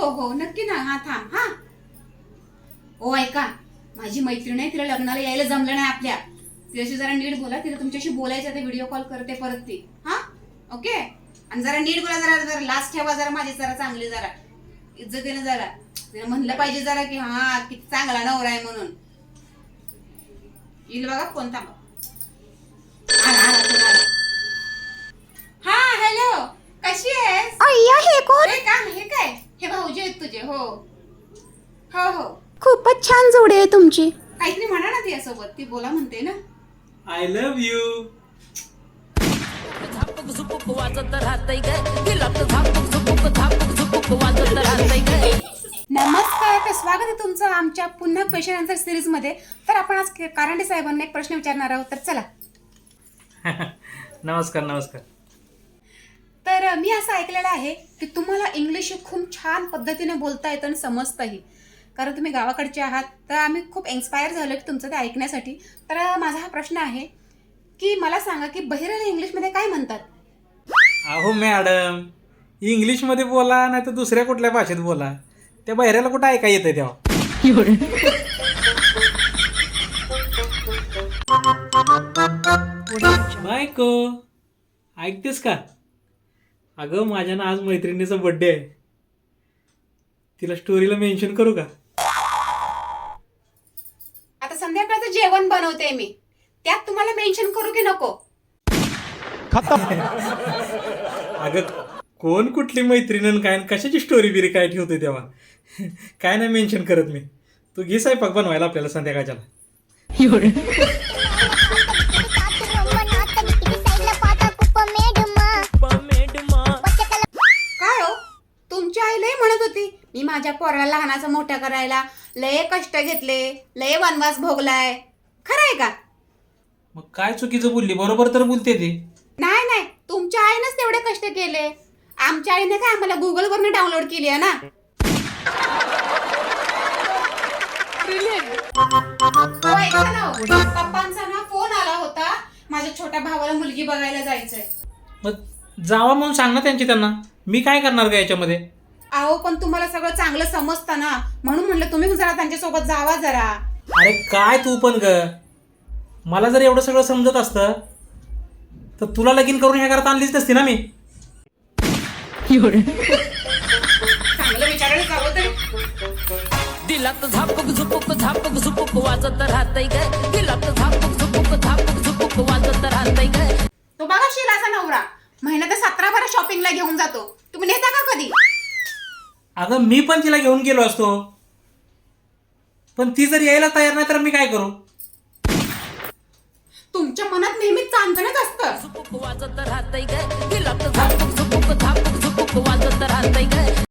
हो हो नक्की ना. हा थांब. हा ओ ऐका, माझी मैत्रीण आहे, तिला लग्नाला यायला जमलं नाही आपल्या. तिच्याशी जरा नीट बोला, तिला तुमच्याशी बोलायचं ते व्हिडिओ कॉल करते परत ती. हा ओके. आणि जरा नीट बोला, जरा लास्ट ठेवा जरा माझी जरा चांगली, जरा इज्जतीने जरा तिला म्हणलं पाहिजे जरा की हा किती चांगला नवरा आहे म्हणून. येईल बघा फोन. थांबा. आला आला फोन आला. हा हॅलो, कशी आहेस? अय्या, हे कोण? हे का हे काय? हे भाऊजी आहेत तुझे. हो हो हो. खूपच छान जोडी आहे तुमची. काहीतरी म्हणा ना तिच्यासोबत, ती बोला म्हणते ना. I love you. नमस्कार, तर स्वागत आहे तुमचं आमच्या पुन्हा क्वेश्चन आन्सर सिरीज मध्ये. तर आपण आज कारंडे साहेबांना एक प्रश्न विचारणार आहोत, तर चला. नमस्कार नमस्कार. तर मी असं ऐकलेलं आहे की तुम्हाला इंग्लिश खूप छान पद्धतीने बोलता येतं आणि समजतंही, कारण तुम्ही गावाकडचे आहात. तर आम्ही खूप इन्स्पायर झालो की तुमचं ते ऐकण्यासाठी. तर माझा हा प्रश्न आहे की मला सांगा की बहिरेला इंग्लिशमध्ये काय म्हणतात? अहो मॅडम, इंग्लिशमध्ये बोला नाही तर दुसऱ्या कुठल्या भाषेत बोला, त्या बहिऱ्याला कुठं ऐका येतं तेव्हा. बायको, ऐकतेस का? अगं माझ्या ना आज मैत्रिणीचा बर्थडे आहे, तिला स्टोरीला मेन्शन करू का? आता संध्याकाळचं जेवण बनवते मी, त्यात तुम्हाला मेन्शन करू की नको? अगं कोण कुठली मैत्रीण काय कशाची स्टोरी बिरी काय ठेवते तेव्हा? काय नाही मेन्शन करत मी. तू घे स्वयंपाक बनवायला आपल्याला संध्याकाळच्याला. काय हो, तुमची आई लय म्हणत होती मी माझ्या पोराला लहानाचं मोठं करायला लय कष्ट घेतले, लय वनवास भोगलाय. खरं आहे का? मग काय चुकीचं बोलली? बरोबर तर बोलते ती. नाही नाही, तुमच्या आईनंच तेवढे कष्ट केले. आमच्या आईने काय आम्हाला गुगल वरनं डाउनलोड केली आहे ना. हो, ऐका ना हो. पप्पांचा ना फोन आला होता, माझ्या छोट्या भावाला मुलगी बघायला जायचंय. मग जावा म्हणून सांग ना त्यांना. मी काय करणार का याच्यामध्ये? अहो पण तुम्हाला सगळं चांगलं समजतं ना, म्हणून म्हणलं तुम्ही जरा त्यांच्यासोबत जावा जरा. अरे काय तू पण ग, मला जर एवढं सगळं समजत असतं तर तुला लगीन करून ह्या घरात आणलीच नसती ना मी. चांगलं विचारायला जावं तरी. दिलात झापक झुपुक वाजत राहतय ग. दिलात झापक झुपुक वाजत राहतय ग. तो बघा शिलाचा नवरा महिन्यात 17 शॉपिंगला घेऊन जातो. तुम्ही नेता का कधी? अगं मी पण तिला घेऊन गेलो असतो, पण ती जर यायला तयार नाही तर मी काय करू? तुमच्या मनात नेहमीच चांदणच असतं. वाजत राहतय ग. दिलात झापक झुपुक वाजत